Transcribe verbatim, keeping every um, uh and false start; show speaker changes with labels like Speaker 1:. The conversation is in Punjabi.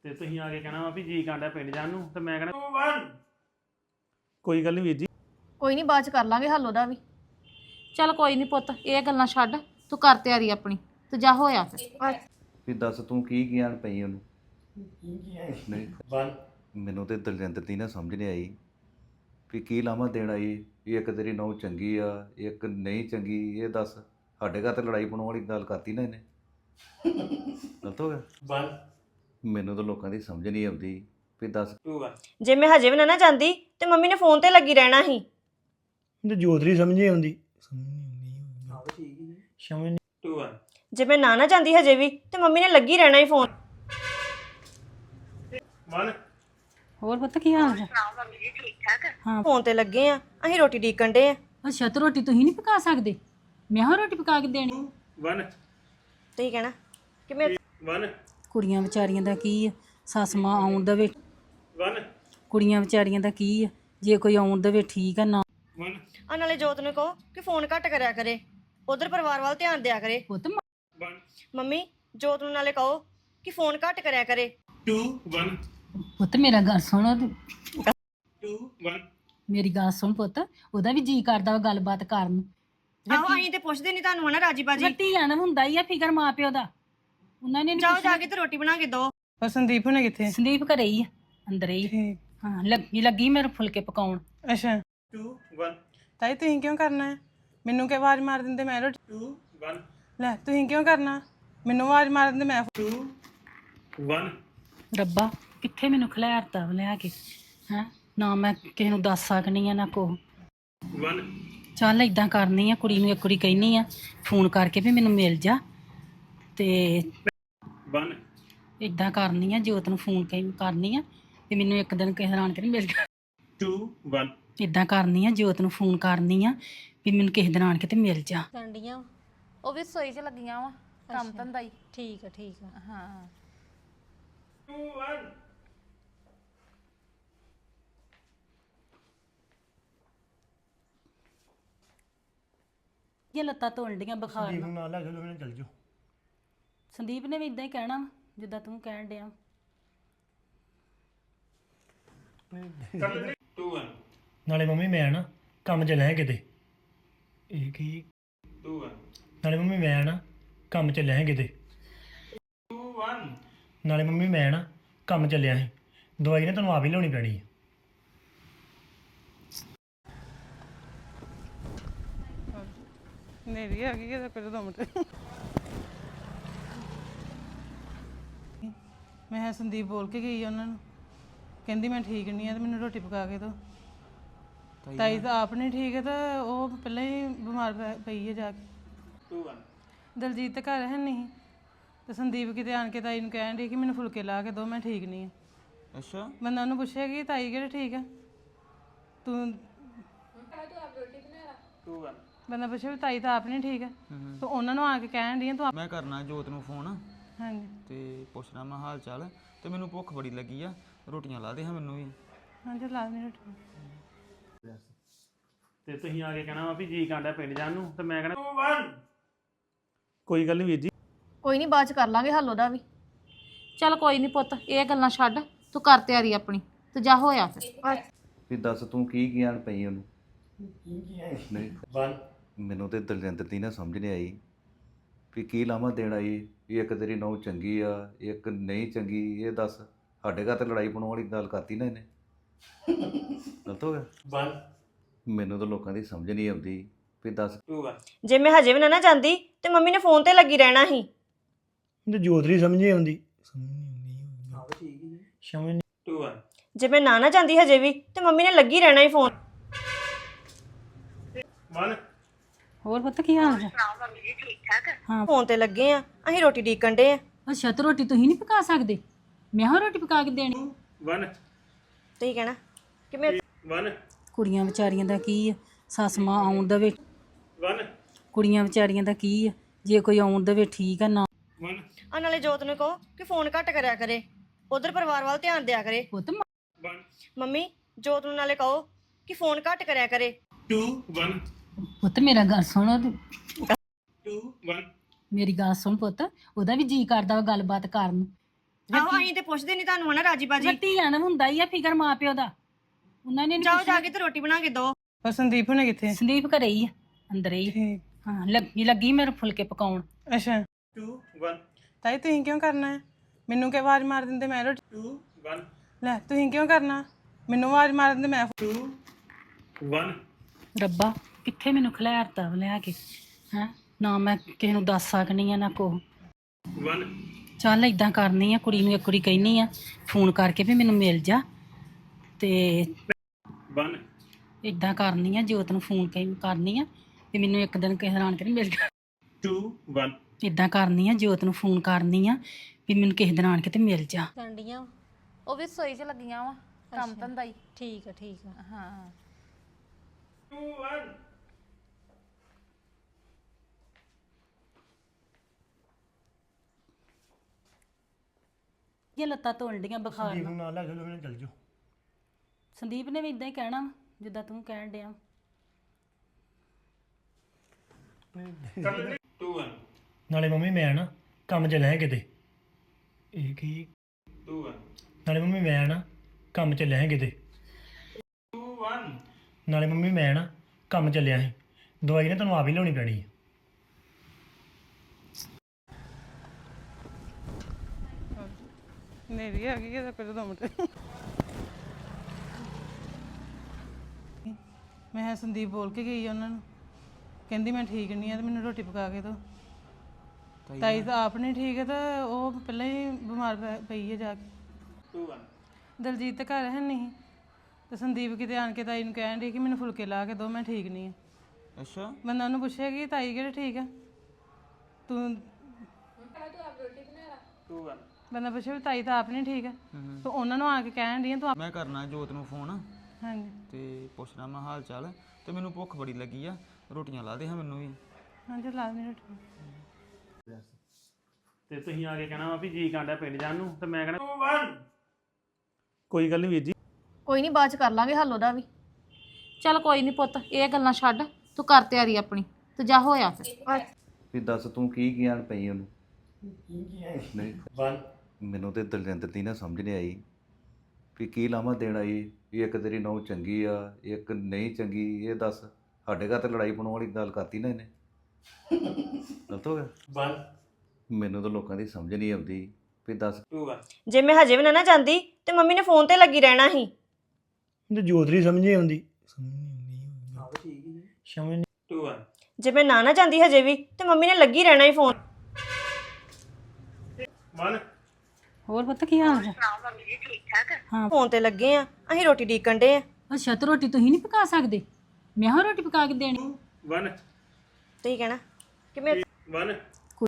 Speaker 1: ਤੇ ਤੁਸੀਂ ਆ ਕੇ ਕਹਿਣਾ ਵਾ ਵੀ ਜੀ ਕਾਂਡਾ ਪਿੰਡ ਜਾਣ ਨੂੰ ਤੇ ਮੈਂ ਕਹਿਣਾ ਕੋਈ ਗੱਲ ਨਹੀਂ ਵੀਰ ਜੀ
Speaker 2: ਕੋਈ ਨਹੀਂ ਬਾਅਦ ਚ ਕਰ ਲਾਂਗੇ ਹੱਲ ਉਹਦਾ ਵੀ।
Speaker 3: ਚੱਲ ਕੋਈ ਨਹੀਂ ਪੁੱਤ ਇਹ ਗੱਲਾਂ ਛੱਡ ਤੂੰ ਕਰ ਤਿਆਰੀ ਆਪਣੀ ਤੇ ਜਾ ਹੋਇਆ ਫਿਰ
Speaker 4: ਵੀ ਦੱਸ ਤੂੰ ਕੀ ਗਿਆਨ ਪਈ ਉਹਨੂੰ ਨਹੀਂ
Speaker 1: ਵਨ
Speaker 4: ਮੈਨੂੰ ਤੇ ਦਲਜਿੰਦਰ ਦੀ ਨਾ ਸਮਝ ਨਹੀਂ ਆਈ ਵੀ ਕੀ ਲਾਵਾਂ ਦੇਣ ਆਈ ਵੀ ਇੱਕ ਤੇਰੀ ਨੌ ਚੰਗੀ ਆ ਇੱਕ ਨਹੀਂ ਚੰਗੀ ਇਹ ਦੱਸ ਸਾਡੇ ਘਰ ਤੇ ਲੜਾਈ ਪਾਉਣ ਵਾਲੀ ਗੱਲ ਕਰਤੀ ਨਾ ਇਹਨੇ ਗਲਤ ਹੋ ਗਿਆ
Speaker 1: ਵਨ
Speaker 4: ਮੈਨੂੰ ਤਾਂ ਲੋਕਾਂ ਦੀ ਸਮਝ ਨਹੀਂ ਆਉਂਦੀ ਵੀ ਦੱਸ
Speaker 1: ਟੂ ਵਨ
Speaker 5: ਜੇ ਮੈਂ ਹਜੇ ਵੀ ਨਾ ਨਾ ਜਾਂਦੀ ਤੇ ਮੰਮੀ ਨੇ ਫੋਨ ਤੇ ਲੱਗੀ ਰਹਿਣਾ ਸੀ
Speaker 6: ਤੇ ਜੋਤਰੀ ਸਮਝੇ ਆਉਂਦੀ ਸਮਝ ਨਹੀਂ
Speaker 1: ਟੂ ਵਨ
Speaker 5: ਜੇ ਮੈਂ ਨਾ ਨਾ ਜਾਂਦੀ ਹਜੇ ਵੀ ਤੇ ਮੰਮੀ ਨੇ ਲੱਗੀ ਰਹਿਣਾ ਸੀ ਫੋਨ
Speaker 1: ਵਨ
Speaker 3: ਹੋਰ ਪੁੱਤ ਕੀ ਹਾਲ ਹੈ ਹਾਂ
Speaker 5: ਫੋਨ ਤੇ ਲੱਗੇ ਆ ਅਸੀਂ ਰੋਟੀ ਡੀਕਣ ਡੇ ਆ
Speaker 3: ਅੱਛਾ ਤੇ ਰੋਟੀ ਤੁਸੀਂ ਨਹੀਂ ਪਕਾ ਸਕਦੇ ਮੈਂ ਹਾਂ ਰੋਟੀ ਪਕਾ ਕੇ ਦੇਣੀ
Speaker 1: ਵਨ
Speaker 5: ਤੁਸੀਂ ਕਹਿਣਾ ਕਿ ਮੈਂ
Speaker 1: ਵਨ
Speaker 3: ਕੁੜੀਆਂ ਵਿਚਾਰੀਆਂ ਦਾ ਕੀ ਆ ਸੱਸ ਮਾਂ ਆਉਣ ਦੇਵੇ
Speaker 1: ਵਨ
Speaker 3: ਕੁੜੀਆਂ ਵਿਚਾਰੀਆਂ ਦਾ ਕੀ ਆ ਜੇ ਕੋਈ ਆਉਣ ਦੇਵੇ ਠੀਕ ਆ ਨਾ
Speaker 1: ਵਨ
Speaker 5: ਆ ਨਾਲੇ ਜੋਤ ਨੂੰ ਕਹੋ ਕਿ ਫੋਨ ਘੱਟ ਕਰਿਆ ਕਰੇ ਉਧਰ ਪਰਿਵਾਰ ਵੱਲ ਧਿਆਨ ਦਿਆ ਕਰੇ
Speaker 3: ਪੁੱਤ
Speaker 1: ਵਨ
Speaker 5: ਮੰਮੀ ਜੋਤ ਨੂੰ ਨਾਲੇ ਕਹੋ ਕਿ ਫੋਨ ਘੱਟ ਕਰਿਆ ਕਰੇ
Speaker 1: ਟੂ ਵਨ
Speaker 3: ਪੁੱਤ ਮੇਰਾ ਗੱਲ ਸੁਣ
Speaker 1: ਟੂ ਵਨ
Speaker 3: ਮੇਰੀ ਗੱਲ ਸੁਣ ਪੁੱਤ ਉਹਦਾ ਵੀ ਜੀ ਕਰਦਾ ਵਾ ਗੱਲਬਾਤ ਕਰਨ ਨੂੰ
Speaker 5: ਆਹੋ ਅਸੀਂ ਤੇ ਪੁੱਛਦੇ ਨਹੀਂ ਤੁਹਾਨੂੰ ਹਨਾ ਰਾਜੀ ਬਾਜੀ
Speaker 3: ਧੀਆਂ ਦਾ ਹੁੰਦਾ ਹੀ ਆ ਫਿਕਰ ਮਾਂ ਪਿਓ ਦਾ ਉਹਨਾਂ ਨੇ ਨੀ
Speaker 5: ਜਾਓ ਜਾ ਕੇ ਤੇ ਰੋਟੀ ਬਣਾ ਕੇ ਦੋ
Speaker 6: ਪਰ ਸੰਦੀਪ ਹੁਣੇ ਕਿੱਥੇ
Speaker 3: ਸੰਦੀਪ ਘਰੇ ਹੀ ਆ ਅੰਦਰ ਹੀ
Speaker 6: ਠੀਕ
Speaker 3: ਹਾਂ ਲੱਗੀ ਲੱਗੀ ਮੇਰੇ ਫੁਲਕੇ ਪਕਾਉਣ
Speaker 6: ਅੱਛਾ
Speaker 1: ਟੂ ਵਨ
Speaker 6: ਤਾਈ ਤੁਸੀਂ ਕਿਉਂ ਕਰਨਾ ਹੈ ਮੈਨੂੰ ਕਿ ਆਵਾਜ਼ ਮਾਰ ਦਿੰਦੇ ਮੈਂ ਰੋਟੀ
Speaker 1: ਟੂ ਵਨ
Speaker 6: ਲੈ ਤੁਸੀਂ ਕਿਉਂ ਕਰਨਾ ਮੈਨੂੰ ਆਵਾਜ਼ ਮਾਰ ਦਿੰਦੇ ਮੈਂ
Speaker 1: ਟੂ ਵਨ
Speaker 3: ਰੱਬਾ ਕਿੱਥੇ ਮੈਨੂੰ ਖਿਲਾਰਤਾ ਵਾ ਲਿਆ ਕੇ ਹੈ ਨਾ ਮੈਂ ਕਿਸੇ ਨੂੰ ਦੱਸ ਸਕਣੀ ਆ ਨਾ ਕੋ
Speaker 1: ਵਨ
Speaker 3: ਚੱਲ ਇਦਾਂ ਕਰਨੀ ਆ ਕੁੜੀ ਨੂੰ ਇੱਕ ਕੁੜੀ ਕਹਿਨੀ ਆ ਫੋਨ ਕਰਕੇ ਵੀ ਮੈਨੂੰ ਮਿਲ ਜਾ ਤੇ
Speaker 1: ਵਨ
Speaker 3: ਇਦਾਂ ਕਰਨੀ ਆ ਜੋਤ ਨੂੰ ਫੋਨ ਕਹਿ ਕਰਨੀ ਆ ਤੇ ਮੈਨੂੰ ਇੱਕ ਦਿਨ ਕਿਸੇ ਨਾਲ ਕੇ ਮਿਲ ਜਾ
Speaker 1: ਟੂ ਵਨ
Speaker 3: ਇਦਾਂ ਕਰਨੀ ਆ ਜੋਤ ਨੂੰ ਫੋਨ ਕਰਨੀ ਆ ਵੀ ਮੈਨੂੰ ਕਿਸੇ ਦਿਨ ਆਣ ਕੇ ਤੇ ਮਿਲ ਜਾ
Speaker 2: ਕੰਡੀਆਂ ਉਹ ਵੀ ਸੋਈ ਚ ਲੱਗੀਆਂ ਵਾ ਕੰਮ ਧੰਦਾ ਹੀ।
Speaker 3: ਠੀਕ ਆ ਠੀਕ ਆ
Speaker 2: ਹਾਂ
Speaker 1: ਟੂ ਵਨ
Speaker 3: ਇਹ ਲੱਤਾਂ ਧੋਣ ਡੀਆਂ ਬੁਖਾਰ ਨਾਲ
Speaker 6: ਨਾਲ ਲੈ ਚਲੋ ਮੈਨੂੰ ਚੱਲ ਜਾਓ
Speaker 3: ਸੰਦੀਪ ਨੇ ਵੀ ਇਦਾਂ ਹੀ ਕਹਿਣਾ ਵਾ, ਜਿੱਦਾਂ ਤੂੰ ਕਹਿਣ ਡਿਆ
Speaker 1: ਟੂ ਵਨ
Speaker 6: ਨਾਲੇ ਮੰਮੀ ਮੈਂ ਨਾ ਕੰਮ ਚ ਲੈ ਕਿਤੇ ਇਹ ਕੀ
Speaker 1: ਟੂ ਵਨ
Speaker 6: ਨਾਲੇ ਮੰਮੀ ਮੈਂ ਨਾ ਕੰਮ ਚ ਲੈ ਕਿਤੇ
Speaker 1: ਟੂ ਵਨ
Speaker 6: ਨਾਲੇ ਮੰਮੀ ਮੈਂ ਨਾ ਕੰਮ ਚੱਲਿਆ ਸੀ ਦਵਾਈ ਨੇ ਤੁਹਾਨੂੰ ਆਪ ਹੀ ਲਿਆਉਣੀ ਪੈਣੀ ਹੈ ਮੇਰੀ ਆ ਗਈ ਕਿਤੇ ਪਹਿਲਾਂ ਦੋ ਮਿੰਟ ਮੈਂ ਕਿਹਾ ਸੰਦੀਪ ਬੋਲ ਕੇ ਗਈ ਉਹਨਾਂ ਨੂੰ ਕਹਿੰਦੀ ਮੈਂ ਠੀਕ ਨਹੀਂ ਆ ਤੇ ਮੈਨੂੰ ਰੋਟੀ ਪਕਾ ਕੇ ਦਿਓ ਤਾਈ ਤਾਂ ਆਪ ਨਹੀਂ ਠੀਕ ਹੈ ਤਾਂ ਉਹ ਪਹਿਲਾਂ ਹੀ ਬਿਮਾਰ ਪੈ- ਪਈ ਹੈ ਜਾ ਕੇ
Speaker 1: ਟੂ ਵਨ
Speaker 6: ਦਲਜੀਤ ਤਾਂ ਘਰ ਹੈ ਨਹੀਂ ਤੇ ਸੰਦੀਪ ਕਿਤੇ ਆਣ ਕੇ ਤਾਈ ਨੂੰ ਕਹਿਣ ਡਈ ਕਿ ਮੈਨੂੰ ਫੁਲਕੇ ਲਾ ਕੇ ਦਿਓ ਮੈਂ ਠੀਕ ਨਹੀਂ ਆ
Speaker 7: ਅੱਛਾ
Speaker 6: ਬੰਦਾ ਉਹਨੂੰ ਪੁੱਛਿਆ ਕਿ ਤਾਈ ਕਿਹੜੇ ਠੀਕ ਆ ਤੂੰ
Speaker 1: ਟੂ ਵਨ
Speaker 6: ਬੰਦਾ ਪੁੱਛਿਆ ਵੀ ਤਾਈ ਤਾਂ ਆਪ ਨਹੀਂ ਠੀਕ ਆ ਤੇ ਉਹਨਾਂ ਨੂੰ ਆ ਕੇ ਕਹਿਣ ਡਈ ਆ ਤੂੰ ਆਪ-
Speaker 7: ਮੈਂ ਕਰਨਾ ਜੋਤ ਨੂੰ ਫੋਨ
Speaker 6: ਹਾਂਜੀ
Speaker 7: ਤੇ ਪੁੱਛਣਾ ਮੈਂ ਹਾਲ ਚਾਲ ਤੇ ਮੈਨੂੰ ਭੁੱਖ ਬੜੀ ਲੱਗੀ ਆ ਰੋਟੀਆਂ ਲਾ ਦੇ ਹਾਂ ਮੈਨੂੰ ਵੀ
Speaker 6: ਹਾਂਜੀ ਲਾ ਦੇ ਰੋਟੀ
Speaker 1: ਤੇ ਤੁਸੀਂ ਆ ਕੇ ਕਹਿਣਾ ਵਾ ਵੀ ਜੀ ਕਾਂਡਾ ਪਿੰਡ ਜਾਣ ਨੂੰ ਤੇ ਮੈਂ ਕਹਿਣਾ ਟੂ ਵਨ ਕੋਈ ਗੱਲ ਨਹੀਂ ਵੀਰ ਜੀ
Speaker 2: ਕੋਈ ਨਹੀਂ ਬਾਅਦ ਚ ਕਰ ਲਾਂਗੇ ਹੱਲ ਉਹਦਾ ਵੀ।
Speaker 3: ਚੱਲ ਕੋਈ ਨਹੀਂ ਪੁੱਤ ਇਹ ਗੱਲਾਂ ਛੱਡ ਤੂੰ ਕਰ ਤਿਆਰੀ ਆਪਣੀ ਤੇ ਜਾ ਹੋਇਆ ਫਿਰ
Speaker 4: ਵੀ ਦੱਸ ਤੂੰ ਕੀ ਗਿਆਨ ਪਈ ਉਹਨੂੰ ਨਹੀਂ
Speaker 1: ਵਨ
Speaker 4: ਮੈਨੂੰ ਤੇ ਦਲਜਿੰਦਰ ਦੀ ਨਾ ਸਮਝ ਨਹੀਂ ਆਈ ਵੀ ਕੀ ਲਾਵਾਂ ਦੇਣ ਆਈ ਵੀ ਇੱਕ ਤੇਰੀ ਨੌ ਚੰਗੀ ਆ ਇੱਕ ਨਹੀਂ ਚੰਗੀ ਇਹ ਦੱਸ ਸਾਡੇ ਘਰ ਤੇ ਲੜਾਈ ਪਾਉਣ ਵਾਲੀ ਗੱਲ ਕਰਤੀ ਨਾ ਇਹਨੇ ਗਲਤ ਹੋ ਗਿਆ
Speaker 1: ਵਨ
Speaker 4: ਮੈਨੂੰ ਤਾਂ ਲੋਕਾਂ ਦੀ ਸਮਝ ਨਹੀਂ ਆਉਂਦੀ ਵੀ ਦੱਸ
Speaker 1: ਟੂ ਵਨ
Speaker 5: ਜੇ ਮੈਂ ਹਜੇ ਵੀ ਨਾ ਨਾ ਜਾਂਦੀ ਤੇ ਮੰਮੀ ਨੇ ਫੋਨ ਤੇ ਲੱਗੀ ਰਹਿਣਾ ਸੀ
Speaker 6: ਤੇ ਜੋਤਰੀ ਸਮਝੇ ਆਉਂਦੀ ਸਮਝ ਨਹੀਂ ਸਮਝ
Speaker 1: ਟੂ ਵਨ
Speaker 5: ਜੇ ਮੈਂ ਨਾ ਨਾ ਜਾਂਦੀ ਹਜੇ ਵੀ ਤੇ ਮੰਮੀ ਨੇ ਲੱਗੀ ਰਹਿਣਾ ਸੀ ਫੋਨ
Speaker 1: ਵਨ
Speaker 3: ਹੋਰ ਪੁੱਤ ਕੀ ਹਾਲ ਹੈ ਹਾਂ
Speaker 5: ਫੋਨ ਤੇ ਲੱਗੇ ਆ ਅਸੀਂ ਰੋਟੀ ਡੀਕਣ ਡੇ ਆ
Speaker 3: ਅੱਛਾ ਤੇ ਰੋਟੀ ਤੁਸੀਂ ਨਹੀਂ ਪਕਾ ਸਕਦੇ ਮੈਂ ਹਾਂ ਰੋਟੀ ਪਕਾ ਕੇ ਦੇਣੀ
Speaker 1: ਵਨ
Speaker 5: ਤੁਸੀਂ ਕਹਿਣਾ ਕਿ ਮੈਂ
Speaker 1: ਵਨ
Speaker 3: ਕੁੜੀਆਂ ਵਿਚਾਰੀਆਂ ਦਾ ਕੀ ਆ ਸੱਸ ਮਾਂ ਆਉਣ ਦੇਵੇ
Speaker 1: ਵਨ
Speaker 3: ਕੁੜੀਆਂ ਵਿਚਾਰੀਆਂ ਦਾ ਕੀ ਆ ਜੇ ਕੋਈ ਆਉਣ ਦੇਵੇ ਠੀਕ ਆ ਨਾ
Speaker 1: ਵਨ
Speaker 5: ਆ ਨਾਲੇ ਜੋਤ ਨੂੰ ਕਹੋ ਕਿ ਫੋਨ ਘੱਟ ਕਰਿਆ ਕਰੇ ਉਧਰ ਪਰਿਵਾਰ ਵੱਲ ਧਿਆਨ ਦਿਆ ਕਰੇ
Speaker 3: ਪੁੱਤ
Speaker 1: ਵਨ
Speaker 5: ਮੰਮੀ ਜੋਤ ਨੂੰ ਨਾਲੇ ਕਹੋ ਕਿ ਫੋਨ ਘੱਟ ਕਰਿਆ ਕਰੇ
Speaker 1: ਟੂ ਵਨ
Speaker 3: ਪੁੱਤ ਮੇਰਾ ਗੱਲ ਸੁਣ
Speaker 1: ਟੂ ਵਨ
Speaker 3: ਮੇਰੀ ਗੱਲ ਸੁਣ ਪੁੱਤ ਉਹਦਾ ਵੀ ਜੀ ਕਰਦਾ ਵਾ ਗੱਲਬਾਤ ਕਰਨ ਨੂੰ
Speaker 5: ਆਹੋ ਅਸੀਂ ਤੇ ਪੁੱਛਦੇ ਨਹੀਂ ਤੁਹਾਨੂੰ ਹਨਾ ਰਾਜੀ ਬਾਜੀ
Speaker 3: ਧੀਆਂ ਨੂੰ ਹੁੰਦਾ ਹੀ ਆ ਫਿਕਰ ਮਾਂ ਪਿਓ ਦਾ ਉਹਨਾਂ ਨੇ ਨੀ
Speaker 5: ਜਾਓ ਜਾ ਕੇ ਤੇ ਰੋਟੀ ਬਣਾ ਕੇ ਦੋ
Speaker 6: ਉਹ ਸੰਦੀਪ ਹੁਣੇ ਕਿੱਥੇ
Speaker 3: ਸੰਦੀਪ ਘਰੇ ਹੀ ਆ ਅੰਦਰ ਹੀ
Speaker 6: ਠੀਕ
Speaker 3: ਹਾਂ ਲੱਗੀ ਲੱਗੀ ਮੇਰੇ ਫੁਲਕੇ ਪਕਾਉਣ
Speaker 6: ਅੱਛਾ
Speaker 1: two one
Speaker 6: ਤਾਈ ਤੁਸੀਂ ਕਿਉਂ ਕਰਨਾ ਹੈ ਮੈਨੂੰ ਕਿ ਆਵਾਜ਼ ਮਾਰ ਦਿੰਦੇ ਮੈਂ ਰੋਟੀ
Speaker 1: two one
Speaker 6: ਲੈ ਤੁਸੀਂ ਕਿਉਂ ਕਰਨਾ ਮੈਨੂੰ ਆਵਾਜ਼ ਮਾਰ ਦਿੰਦੇ ਮੈਂ
Speaker 1: two one
Speaker 3: ਰੱਬਾ ਕਿੱਥੇ ਮੈਨੂੰ ਖਿਲਾਰਤਾ ਲਿਆ ਕੇ ਹੈ ਨਾ ਮੈਂ ਕਿਸੇ ਨੂੰ ਦੱਸ ਸਕਨੀ ਆ ਨਾ ਕੋ
Speaker 1: one
Speaker 3: ਚੱਲ ਇਦਾਂ ਕਰਨੀ ਆ ਕੁੜੀ ਨੂੰ ਇੱਕ ਕੁੜੀ ਕਹਿਨੀ ਆ ਫੋਨ ਕਰਕੇ ਵੀ ਮੈਨੂੰ ਮਿਲ ਜਾ ਤੇ
Speaker 1: one
Speaker 3: ਇਦਾਂ ਕਰਨੀ ਆ ਜੋਤ ਨੂੰ ਫੋਨ ਕਰਨੀ ਆ ਤੇ ਮੈਨੂੰ ਇੱਕ ਦਿਨ ਕਿਸੇ ਹੈਰਾਨ ਕਰੀ ਮਿਲ ਜਾ
Speaker 1: two one
Speaker 3: ਇਦਾਂ ਕਰਨੀ ਆ ਜੋਤ ਨੂੰ ਫੋਨ ਕਰਨੀ ਆ ਵੀ ਮੈਨੂੰ ਕਿਸੇ ਦਿਨ ਆਣ ਕੇ ਤੇ ਮਿਲ ਜਾ
Speaker 2: ਕੰਡੀਆਂ ਉਹ ਵੀ ਸੋਈ 'ਚ ਲੱਗੀਆਂ ਵਾ ਕੰਮ ਧੰਦਾ ਹੀ
Speaker 5: ਠੀਕ ਆ ਠੀਕ ਆ
Speaker 2: ਹਾਂ
Speaker 1: two one
Speaker 3: ਇਹ ਲੱਤਾਂ ਧੋਣ ਬੁਖਾਰ ਨਾਲ
Speaker 8: ਨਾਲ ਲੈ ਚਲੋ ਚੱਲ ਜਾਓ
Speaker 3: ਸੰਦੀਪ ਨੇ ਵੀ ਇਦਾਂ ਹੀ ਕਹਿਣਾ ਵਾ, ਜਿੱਦਾਂ ਤੂੰ ਕਹਿਣ ਡਿਆ
Speaker 1: two one
Speaker 8: ਨਾਲੇ ਮੰਮੀ ਮੈਂ ਨਾ ਕੰਮ 'ਚ ਲੈ ਕਿਤੇ ਇਹ ਕੀ
Speaker 1: two one
Speaker 8: ਨਾਲੇ ਮੰਮੀ ਮੈਂ ਨਾ ਕੰਮ 'ਚ ਲੈ ਕਿਤੇ
Speaker 1: two one
Speaker 8: ਨਾਲੇ ਮੰਮੀ ਮੈਂ ਨਾ ਕੰਮ ਚੱਲਿਆ ਸੀ ਦਵਾਈ ਨਾ ਤੁਹਾਨੂੰ ਆਪ ਹੀ ਲਿਆਉਣੀ ਪੈਣੀ ਹੈ
Speaker 6: ਨੇਰੀ ਆ ਗਈ ਇਹਦਾ ਪਹਿਲਾਂ ਦੋ ਮਿੰਟ ਮੈਂ ਕਿਹਾ ਸੰਦੀਪ ਬੋਲ ਕੇ ਗਈ ਆ ਉਹਨਾਂ ਨੂੰ ਕਹਿੰਦੀ ਮੈਂ ਠੀਕ ਨਹੀਂ ਆ ਤੇ ਮੈਨੂੰ ਰੋਟੀ ਪਕਾ ਕੇ ਦਿਓ ਤਾਈ ਤਾਂ ਆਪ ਨਹੀਂ ਠੀਕ ਹੈ ਤਾਂ ਉਹ ਪਹਿਲਾਂ ਹੀ ਬਿਮਾਰ ਪੈ- ਪਈ ਹੈ ਜਾ ਕੇ
Speaker 1: two one
Speaker 6: ਦਲਜੀਤ ਤਾਂ ਘਰ ਹੈ ਨਹੀਂ ਤੇ ਸੰਦੀਪ ਕਿਤੇ ਆਣ ਕੇ ਤਾਈ ਨੂੰ ਕਹਿਣ ਡਈ ਕਿ ਮੈਨੂੰ ਫੁਲਕੇ ਲਾ ਕੇ ਦਿਓ ਮੈਂ ਠੀਕ ਨਹੀਂ ਆ
Speaker 7: ਅੱਛਾ
Speaker 6: ਬੰਦਾ ਉਹਨੂੰ ਪੁੱਛਿਆ ਕਿ ਤਾਈ ਕਿਹੜੇ ਠੀਕ ਆ ਤੂੰ
Speaker 1: two one
Speaker 6: ਬੰਦਾ ਪੁੱਛਿਆ ਵੀ ਤਾਈ ਤਾਂ ਆਪ ਨਹੀਂ ਠੀਕ ਆ ਤੇ ਉਹਨਾਂ ਨੂੰ ਆ ਕੇ ਕਹਿਣ ਡਈ ਆ ਤੂੰ ਆਪ-
Speaker 7: ਮੈਂ ਕਰਨਾ ਜੋਤ ਨੂੰ ਫੋਨ
Speaker 6: ਹਾਂਜੀ
Speaker 7: ਤੇ ਪੁੱਛਣਾ ਮੈਂ ਹਾਲ ਚਾਲ ਤੇ ਮੈਨੂੰ ਭੁੱਖ ਬੜੀ ਲੱਗੀ ਆ ਰੋਟੀਆਂ ਲਾ ਦੇ ਹਾਂ ਮੈਨੂੰ ਵੀ
Speaker 6: ਹਾਂਜੀ ਲਾ ਦੇ ਰੋਟੀ
Speaker 1: ਤੇ ਤੁਸੀਂ ਆ ਕੇ ਕਹਿਣਾ ਵਾ ਵੀ ਜੀ ਕਾਂਡਾ ਪਿੰਡ ਜਾਣ ਨੂੰ ਤੇ ਮੈਂ ਕਹਿਣਾ two one ਕੋਈ ਗੱਲ ਨਹੀਂ ਵੀਰ ਜੀ
Speaker 2: ਕੋਈ ਨਹੀਂ ਬਾਅਦ ਚ ਕਰ ਲਾਂਗੇ ਹੱਲ ਉਹਦਾ ਵੀ ਚੱਲ ਕੋਈ ਨਹੀਂ ਪੁੱਤ ਇਹ ਗੱਲਾਂ ਛੱਡ ਤੂੰ ਕਰ ਤਿਆਰੀ ਆਪਣੀ ਤੇ ਜਾ ਹੋਇਆ ਫਿਰ
Speaker 4: ਵੀ ਦੱਸ ਤੂੰ ਕੀ ਗਿਆਨ ਪਈ ਉਹਨੂੰ ਨਹੀਂ
Speaker 1: one
Speaker 4: ਮੈਨੂੰ ਤੇ ਦਲਜਿੰਦਰ ਦੀ ਨਾ ਸਮਝ ਨਹੀਂ ਆਈ ਵੀ ਕੀ ਲਾਵਾਂ ਦੇਣ ਆਈ ਵੀ ਇੱਕ ਤੇਰੀ ਨੌ ਚੰਗੀ ਆ ਇੱਕ ਨਹੀਂ ਚੰਗੀ ਇਹ ਦੱਸ ਸਾਡੇ ਘਰ ਤੇ ਲੜਾਈ ਪਾਉਣ ਵਾਲੀ ਗੱਲ ਕਰਤੀ ਨਾ ਇਹਨੇ ਗਲਤ ਹੋ ਗਿਆ
Speaker 1: one
Speaker 8: ਮੈਨੂੰ ਤਾਂ ਲੋਕਾਂ ਦੀ ਸਮਝ ਨਹੀਂ ਆਉਂਦੀ ਵੀ ਦੱਸ
Speaker 1: two one
Speaker 5: ਜੇ ਮੈਂ ਹਜੇ ਵੀ ਨਾ ਨਾ ਜਾਂਦੀ ਤੇ ਮੰਮੀ ਨੇ ਫੋਨ ਤੇ ਲੱਗੀ ਰਹਿਣਾ ਸੀ
Speaker 8: ਤੇ ਜੋਤਰੀ ਸਮਝ ਨਹੀਂ ਆਉਂਦੀ ਸਮਝ ਨਹੀਂ ਆਉਂਦੀ ਸਮਝ ਨਹੀਂ
Speaker 1: two one
Speaker 5: ਜੇ ਮੈਂ ਨਾ ਨਾ ਜਾਂਦੀ ਹਜੇ ਵੀ ਤੇ ਮੰਮੀ ਨੇ ਲੱਗੀ ਰਹਿਣਾ ਸੀ ਫੋਨ
Speaker 1: one
Speaker 3: ਹੋਰ ਪਤਾ ਕੀ ਹਾਲ ਹੈ
Speaker 5: ਫੋਨ ਤੇ ਲੱਗੇ ਆ ਅਸੀਂ ਰੋਟੀ ਡੀਕਣ ਡੇ ਆ
Speaker 3: ਅੱਛਾ ਤੇ ਰੋਟੀ ਤੁਸੀਂ ਨਹੀਂ ਪਕਾ ਸਕਦੇ ਮੈਂ ਹਾਂ ਰੋਟੀ ਪਕਾ ਕੇ ਦੇਣੀ
Speaker 1: one
Speaker 5: ਤੁਸੀਂ ਕਹਿਣਾ ਕਿ ਮੈਂ
Speaker 1: one